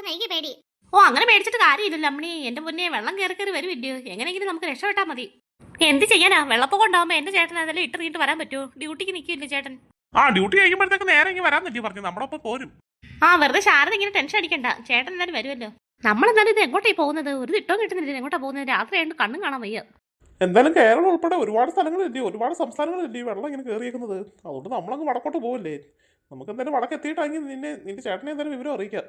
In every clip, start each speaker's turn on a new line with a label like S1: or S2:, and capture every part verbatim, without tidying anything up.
S1: എനിക്ക് പേടി.
S2: ഓ അങ്ങനെ പേടിച്ചിട്ട് കാര്യമില്ലല്ലോ അമ്മണി. എന്റെ മുന്നേ വെള്ളം കയറി കയറി വരുമില്ലയോ? എങ്ങനെയെങ്കിലും നമുക്ക് രക്ഷപ്പെട്ടാൽ മതി. എന്ത് ചെയ്യാനാ? വെള്ളപ്പൊക്കം ഉണ്ടാവുമ്പോ എന്റെ ചേട്ടൻ അതെല്ലാം ഇട്ട് നീട്ട് വരാൻ പറ്റുമോ? ഡ്യൂട്ടിക്ക് നിൽക്കില്ലേ ചേട്ടൻ?
S3: ആ ഡ്യൂട്ടി കഴിയുമ്പോഴത്തേക്ക് നേരെ ഇങ്ങനെ വരാൻ പറ്റി പറഞ്ഞു നമ്മുടെ ഒപ്പം പോരും.
S2: ആ വെറുതെ ശാരദ ഇങ്ങനെ ടെൻഷൻ അടിക്കണ്ട, ചേട്ടൻ എന്തായാലും വരുമല്ലോ. നമ്മളെന്തായാലും ഇത് എങ്ങോട്ടായി പോകുന്നത്? ഒരു തിട്ടവും കിട്ടുന്നില്ല. എങ്ങോട്ടാ പോകുന്നത്? രാത്രി ആയിട്ട് കണ്ണും കാണാൻ വയ്യ.
S3: എന്തായാലും കേരളം ഉൾപ്പെടെ ഒരുപാട് സ്ഥലങ്ങളില്ലേ, ഒരുപാട് സംസ്ഥാനങ്ങളില്ലേ വെള്ളം ഇങ്ങനെ കയറിയേക്കുന്നത്. അതുകൊണ്ട് നമ്മളങ്ങ് വടക്കോട്ട് പോകില്ലേ. നമുക്ക് എന്തായാലും വടക്ക് എത്തിയിട്ടാണെങ്കിൽ നിന്നെ നിന്റെ ചേട്ടനെ എന്തായാലും വിവരം അറിയിക്കാം.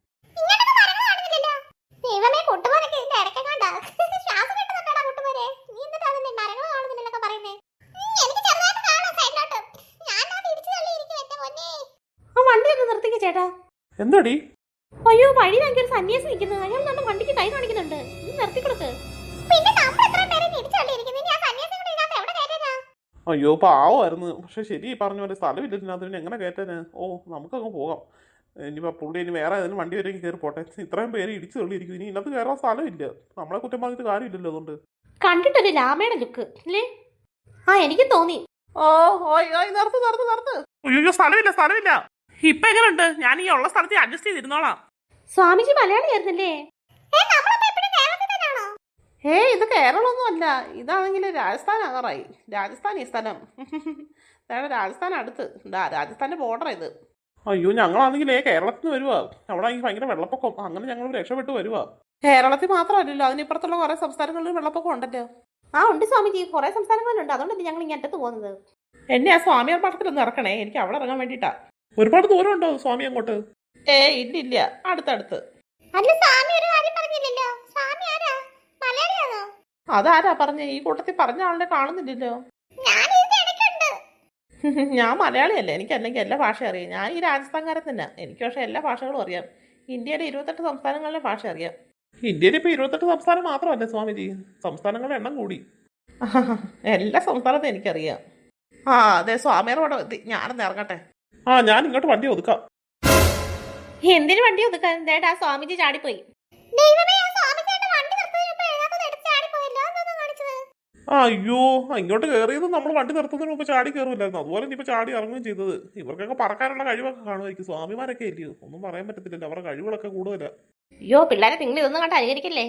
S1: ദൈവമേ, കുട്ടുപോലൊക്കെ ഇതിന്റെ ഇടയ്ക്കെങ്ങാണ്ടാ ശ്വാസം കിട്ടുന്നുണ്ടോടാ കുട്ടുപോരെ? നീ എന്നിട്ട് അതിന്റെ മരങ്ങൾ കാണുന്നില്ലൊക്കെ പറയുന്നേ. എനിക്ക് ചെറുതായിട്ട് കാണാം സൈഡിലോട്ട്. ഞാൻ ആ തിരിച്ചു തള്ളിയിരിക്കും എന്റെ പൊന്നേ.
S2: ആ വണ്ടിയൊക്കെ നിർത്തിക്ക ചേട്ടാ.
S3: എന്താടി?
S2: അയ്യോ, വഴിയിലാക്കി ഒരു സന്യാസി നിൽക്കുന്നു. അയാൾ നമ്മുടെ വണ്ടിക്ക് കൈ കാണിക്കുന്നുണ്ട്. ഇത് നിർത്തിക്കൊടുക്ക്.
S1: പിന്നെ നമ്മൾ എത്ര പേരെ തിരിച്ചു തള്ളിയിരിക്കുന്നു. ആ സന്യാസി കൂടെ ഇതിനകത്ത് എവിടെ കയറ്റാനാ?
S3: അയ്യോ പാവമായിരുന്നു. പക്ഷെ ശരി പറഞ്ഞ പോലെ സ്ഥലമില്ല അതിന് എങ്ങനെ കയറ്റാന്. ഓ നമുക്കങ്ങ് പോകാം. ഇനിയിപ്പോൾ പുള്ളി ഇനി വേറെ ഏതെങ്കിലും വണ്ടി വരെ കയറി പോട്ടെ. ഇത്രയും പേര് ഇടിച്ചു തള്ളിയിരിക്കും. ഇനി ഇന്നത്തെ കയറാൻ സ്ഥലമില്ല. നമ്മളെ കുറ്റം പറഞ്ഞിട്ട് കാര്യമില്ലല്ലോ. അതുകൊണ്ട്
S2: കണ്ടിട്ടൊരു രാമയുടെ ലുക്ക് അല്ലേ? ആ എനിക്ക് തോന്നി.
S3: ഓ നിർത്ത് നിർത്ത് നിർത്ത്. അയ്യോ സ്ഥലമില്ല സ്ഥലമില്ല. ഇപ്പൊ എങ്ങനെയുണ്ട്? ഞാൻ ഈ ഉള്ള സ്ഥലത്ത് അഡ്ജസ്റ്റ് ചെയ്തിരുന്നോളാം.
S2: സ്വാമിജി മലയാളിയായിരുന്നല്ലേ? ഏ ഇത് കേരളമൊന്നും അല്ല. ഇതാണെങ്കിൽ രാജസ്ഥാൻ ആകാറായി. രാജസ്ഥാൻ ഈ സ്ഥലം. രാജസ്ഥാൻ അടുത്ത് രാജസ്ഥാന്റെ ബോർഡർ ഇത്. അയ്യോ ഞങ്ങളാണെങ്കിലേ കേരളത്തിൽ നിന്ന് വരുവാ. അവിടെ ആണെങ്കിൽ ഭയങ്കര വെള്ളപ്പൊക്കം. അങ്ങനെ ഞങ്ങൾ രക്ഷപ്പെട്ട് വരുവാ. കേരളത്തിൽ മാത്രമല്ലല്ലോ, അതിനിപ്പുറത്തുള്ള കുറെ സംസ്ഥാനങ്ങളിൽ വെള്ളപ്പൊക്കം ഉണ്ടല്ലോ. ആ ഉണ്ട് സ്വാമിജി, കുറെ സംസ്ഥാനങ്ങളിലുണ്ട്. അതുകൊണ്ടല്ലേ ഞങ്ങൾ ഇങ്ങനെ അറ്റത്ത് പോകുന്നത്.
S3: എന്നെ ആ സ്വാമിയാർ മഠത്തിലൊന്ന് ഇറക്കണേ. എനിക്ക് അവിടെ ഇറങ്ങാൻ വേണ്ടിട്ടാ. ഒരുപാട് ദൂരം ഉണ്ടോ സ്വാമി അങ്ങോട്ട്? ഏ ഇല്ല ഇല്ല, അടുത്തടുത്ത്. അതാരാ പറഞ്ഞേ? ഈ കൂട്ടത്തിൽ പറഞ്ഞ ആളിനെ കാണുന്നില്ലല്ലോ. ഞാൻ മലയാളിയല്ലേ, എനിക്ക് അല്ലെങ്കിൽ എല്ലാ ഭാഷ അറിയാം. ഞാൻ ഈ രാജസ്ഥാൻകാരൻ തന്നെ. എനിക്ക് പക്ഷെ എല്ലാ ഭാഷകളും അറിയാം. ഇന്ത്യയിലെ ഇരുപത്തെട്ട് സംസ്ഥാനങ്ങളിലെ ഭാഷ അറിയാം. ഇന്ത്യയിൽ ഇപ്പൊ ഇരുപത്തെട്ട് സംസ്ഥാനം മാത്രമല്ലേ സ്വാമിജി? സംസ്ഥാനങ്ങളുടെ എണ്ണം കൂടി. എല്ലാ സംസ്ഥാനത്തും എനിക്കറിയാം. ആ അതെ, സ്വാമിയുടെ എത്തി. ഞാനൊന്ന് ഇറങ്ങട്ടെ. ആ ഞാൻ ഇങ്ങോട്ട് വണ്ടി ഒതുക്കാം.
S2: എന്തിനു വണ്ടി ഒതുക്കാൻ? ദേടാ സ്വാമിജി ചാടിപ്പോയി.
S3: അയ്യോ ഇങ്ങോട്ട് കയറിയത് നമ്മൾ വണ്ടി നിർത്തുന്നതിന് മുമ്പ് ചാടി കയറില്ലായിരുന്നു. അതുപോലെ ഇനിയിപ്പോൾ ചാടി ഇറങ്ങുകയും ചെയ്തത്. ഇവർക്കൊക്കെ പറക്കാനുള്ള കഴിവൊക്കെ കാണുമായിരിക്കും. സ്വാമിമാരൊക്കെ ഇല്ലയോ, ഒന്നും പറയാൻ പറ്റത്തില്ലല്ലോ. അവരുടെ കഴിവുകളൊക്കെ കൂടുതലാ.
S2: അയ്യോ പിള്ളേരെ നിങ്ങൾ ഇതൊന്നും കണ്ട് അനുകരിക്കല്ലേ.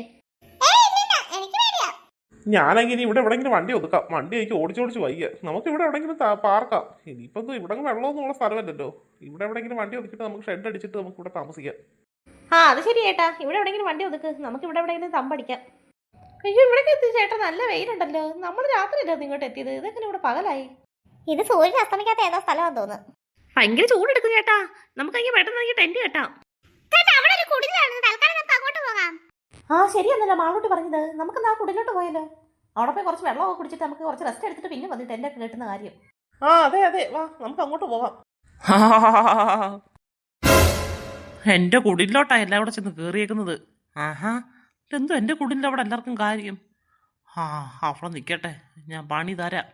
S3: ഞാനെങ്കിൽ ഇവിടെ എവിടെയെങ്കിലും വണ്ടി ഒതുക്കാം. വണ്ടി എനിക്ക് ഓടിച്ചോടിച്ച് വയ്യ. നമുക്ക് ഇവിടെ എവിടെയെങ്കിലും പാർക്കാം. ഇനിയിപ്പം ഇവിടെ വെള്ളമൊന്നുമുള്ള സ്ഥലമല്ലല്ലോ. ഇവിടെ എവിടെയെങ്കിലും വണ്ടി ഒതുക്കിയിട്ട് നമുക്ക് ഷെഡ് അടിച്ചിട്ട് നമുക്ക് ഇവിടെ താമസിക്കാം.
S2: ആ അത് ശരി ചേട്ടാ, ഇവിടെ എവിടെയെങ്കിലും വണ്ടി ഒതുക്ക്. നമുക്ക് ഇവിടെ എവിടെയെങ്കിലും തമ്പടിക്കാം. അയ്യോ ഇവിടെ എത്തി ചേട്ടാ, നല്ല വെയിലുണ്ടല്ലോ. നമ്മൾ രാത്രിയല്ലോ ഇങ്ങോട്ട് എത്തിയത്. ഇതെങ്ങനെ ഇവിടെ പകലായി?
S1: ഇത് സൂര്യൻ അസ്തമിക്കാത്ത ഏതോ സ്ഥലമാണെന്ന് തോന്നുന്നു.
S2: ഭയങ്കര ചൂടെടുക്കും ചേട്ടാ. നമുക്ക് അങ്ങനെ പെട്ടെന്ന് ടെന്റ് കെട്ടാം. ആ ശരിയെന്നല്ലോ മാളോട്ട് പറഞ്ഞത്. നമുക്ക് എന്നാ കുടിലോട്ട് പോയാലോ? അവിടെ പോയി കുറച്ച് വെള്ളമൊക്കെ കുടിച്ചിട്ട് നമുക്ക് കുറച്ച് റെസ്റ്റ് എടുത്തിട്ട് പിന്നെ വന്നിട്ട് ടെന്റൊക്കെ കെട്ടുന്ന കാര്യം.
S3: ആ അതെ അതെ, വാ നമുക്ക് അങ്ങോട്ട് പോകാം. എന്റെ കുടിലോട്ടാ എല്ലാം കൂടെ ചെന്ന് കേറിയേക്കുന്നത്. ആഹാ എന്തോ എന്റെ കുടിൻ്റെ അവിടെ എല്ലാവർക്കും കാര്യം. ആ അവിടെ നിൽക്കട്ടെ, ഞാൻ പണി തരാം.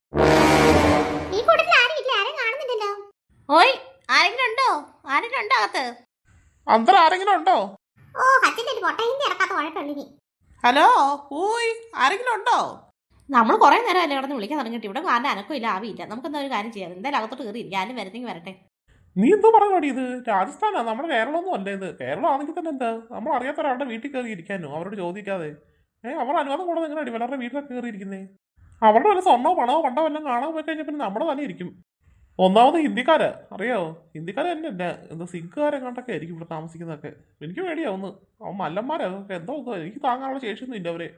S2: ഓയ് ആരെങ്കിലും ഉണ്ടോ? ആരെങ്കിലും ഉണ്ടോ അകത്ത്?
S3: അന്തരം ആരെങ്കിലും ഉണ്ടോ? ഹലോ ഊയ് ആരെങ്കിലും ഉണ്ടോ?
S2: നമ്മൾ കുറെ നേരം അല്ലേ കിടന്ന് വിളിക്കാൻ തുടങ്ങിയിട്ട് ഇവിടെ ആരുടെ അനക്കും ഇല്ല, ആവിയില്ല. നമുക്ക് എന്താ ഒരു കാര്യം ചെയ്യാം. എന്തായാലും അകത്തോട്ട് കയറി ഞാനും വരുന്നെങ്കിൽ വരട്ടെ.
S3: നീ എന്തോ പറഞ്ഞു? ഇത് രാജസ്ഥാനാ, നമ്മുടെ കേരളമൊന്നും അല്ല ഇത്. കേരളം ആണെങ്കിൽ തന്നെ എന്താ നമ്മൾ അറിയാത്ത ഒരാളുടെ വീട്ടിൽ കയറി ഇരിക്കാനോ അവരോട് ചോദിക്കാതെ? ഏഹ് അവർ അനുവാദം കൂടെ എങ്ങനെ അടി വളരെ വീട്ടിലൊക്കെ കയറി ഇരിക്കുന്നേ? അവരുടെ വല്ല സ്വർണ്ണോ പണമോ പണ്ടോ എല്ലാം കാണാൻ പോയി കഴിഞ്ഞാൽ പിന്നെ നമ്മുടെ തന്നെ ഇരിക്കും. ഒന്നാമത് ഹിന്ദിക്കാരാ, അറിയാവോ? ഹിന്ദിക്കാരെ തന്നെ അല്ല, എന്താ സിഖുകാരെങ്ങാണ്ടൊക്കെ ആയിരിക്കും ഇവിടെ താമസിക്കുന്നതൊക്കെ. എനിക്ക് പേടിയാവുന്നു. അവൻ മല്ലന്മാരാ എന്തോ. എനിക്ക് താങ്ങാനുള്ള ശേഷിയൊന്നും ഇല്ല അവരെ.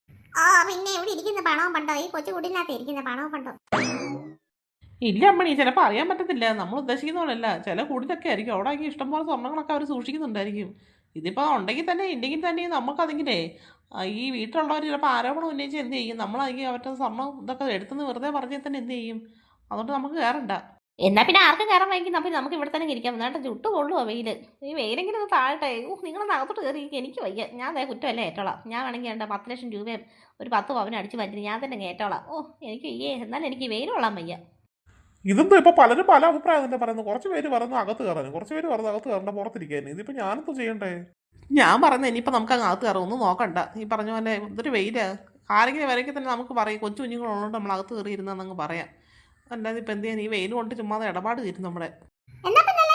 S3: ഇല്ല അമ്മണി, ചിലപ്പോൾ അറിയാൻ പറ്റത്തില്ല. നമ്മൾ ഉദ്ദേശിക്കുന്ന പോലെയല്ല. ചില കൂടിലൊക്കെ ആയിരിക്കും. അവിടെ ആക്കി ഇഷ്ടംപോലെ സ്വർണ്ണങ്ങളൊക്കെ അവർ സൂക്ഷിക്കുന്നുണ്ടായിരിക്കും. ഇതിപ്പോൾ ഉണ്ടെങ്കിൽ തന്നെ ഉണ്ടെങ്കിൽ തന്നെ നമുക്കതെങ്കിലേ ഈ വീട്ടിലുള്ളവർ ചിലപ്പോൾ ആരോപണം ഉന്നയിച്ച് എന്ത് ചെയ്യും? നമ്മളാണെങ്കിൽ അവരുടെ സ്വർണ്ണം ഇതൊക്കെ എടുത്തുനിന്ന് വെറുതെ പറഞ്ഞാൽ തന്നെ എന്ത് ചെയ്യും? അതുകൊണ്ട് നമുക്ക് കയറണ്ട.
S2: എന്നാ പിന്നെ ആർക്കും കയറാൻ വൈകി നമ്മൾ നമുക്ക് ഇവിടെ തന്നെ ഇരിക്കാം. എന്നിട്ട് ചുട്ടു കൊള്ളുവോ വെയിൽ? ഈ വെയിലെങ്കിലും ഒന്ന് താഴട്ടെ. ഓ നിങ്ങളൊന്ന് അകത്തോട്ട് കയറി. എനിക്ക് വയ്യ. ഞാൻ അതേ കുറ്റമല്ലേ ഏറ്റോളാം. ഞാൻ വേണമെങ്കിൽ എൻ്റെ പത്ത് ലക്ഷം രൂപയും ഒരു പത്ത് പവനും അടിച്ച് മാറ്റി ഞാൻ തന്നെ ഏറ്റോളാം. ഓ എനിക്ക് വയ്യേ. എന്നാലും എനിക്ക് വെയിൽ കൊള്ളാൻ വയ്യ.
S3: ഇതെന്തോ ഇപ്പൊ പലരും പല അഭിപ്രായം തന്നെ പറയുന്നത്. കുറച്ച് പേര് പറയുന്നു അകത്ത് കയറാനും, കുറച്ച് പേര് പറയുന്നത് അകത്ത് കയറണ്ട പുറത്തിരിക്കാനും. ഇതിപ്പോ ഞാനെന്തോ ചെയ്യണ്ടേ? ഞാൻ പറയുന്നത് ഇനിയിപ്പോൾ നമുക്ക് അങ്ങ് അകത്ത് കയറും. ഒന്നും നോക്കണ്ട. ഈ പറഞ്ഞ പോലെ ഇതൊരു വെയില്. ആരെങ്കിലും വരയ്ക്ക് തന്നെ നമുക്ക് പറയും കൊച്ചു കുഞ്ഞുങ്ങളുള്ളതുകൊണ്ട് നമ്മൾ അകത്ത് കയറി ഇരുന്നങ്ങ് പറയാം. അല്ലാതെ ഇപ്പം എന്ത് ചെയ്യാൻ? ഈ വെയിൽ കൊണ്ട് ചുമ്മാതെ ഇടപാട് തീരും നമ്മുടെ.